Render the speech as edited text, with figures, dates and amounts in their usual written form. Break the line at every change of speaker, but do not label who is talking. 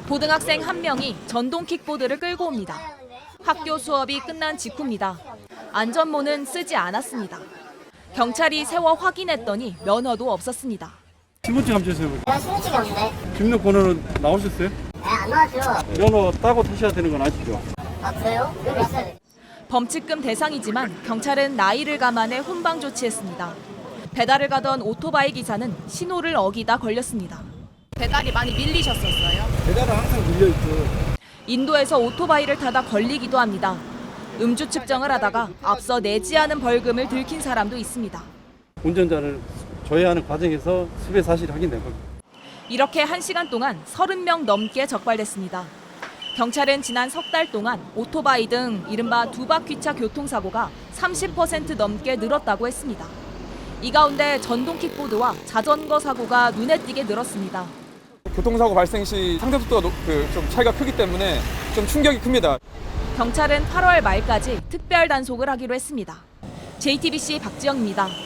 고등학생 한 명이 전동 킥보드를 끌고 옵니다. 학교 수업이 끝난 직후입니다. 안전모는 쓰지 않았습니다. 경찰이 세워 확인했더니 면허도 없었습니다.
신분증 한번 주세요.
내가 신분증이 없는데.
등록번호는 나오셨어요?
네, 안 나왔죠.
면허 따고 타셔야 되는 건 아시죠?
아, 그래요? 여기 있어야 돼.
범칙금 대상이지만 경찰은 나이를 감안해 훈방 조치했습니다. 배달을 가던 오토바이 기사는 신호를 어기다 걸렸습니다. 배달이 많이 밀리셨었어요?
배달은 항상 밀려있죠.
인도에서 오토바이를 타다 걸리기도 합니다. 음주 측정을 하다가 앞서 내지 않은 벌금을 들킨 사람도 있습니다.
운전자를 조회하는 과정에서 수배 사실이 확인된 겁니다.
이렇게 1시간 동안 30명 넘게 적발됐습니다. 경찰은 지난 석 달 동안 오토바이 등 이른바 두바퀴차 교통사고가 30% 넘게 늘었다고 했습니다. 이 가운데 전동 킥보드와 자전거 사고가 눈에 띄게 늘었습니다.
교통사고 발생 시 상대속도가 좀 차이가 크기 때문에 좀 충격이 큽니다.
경찰은 8월 말까지 특별 단속을 하기로 했습니다. JTBC 박지영입니다.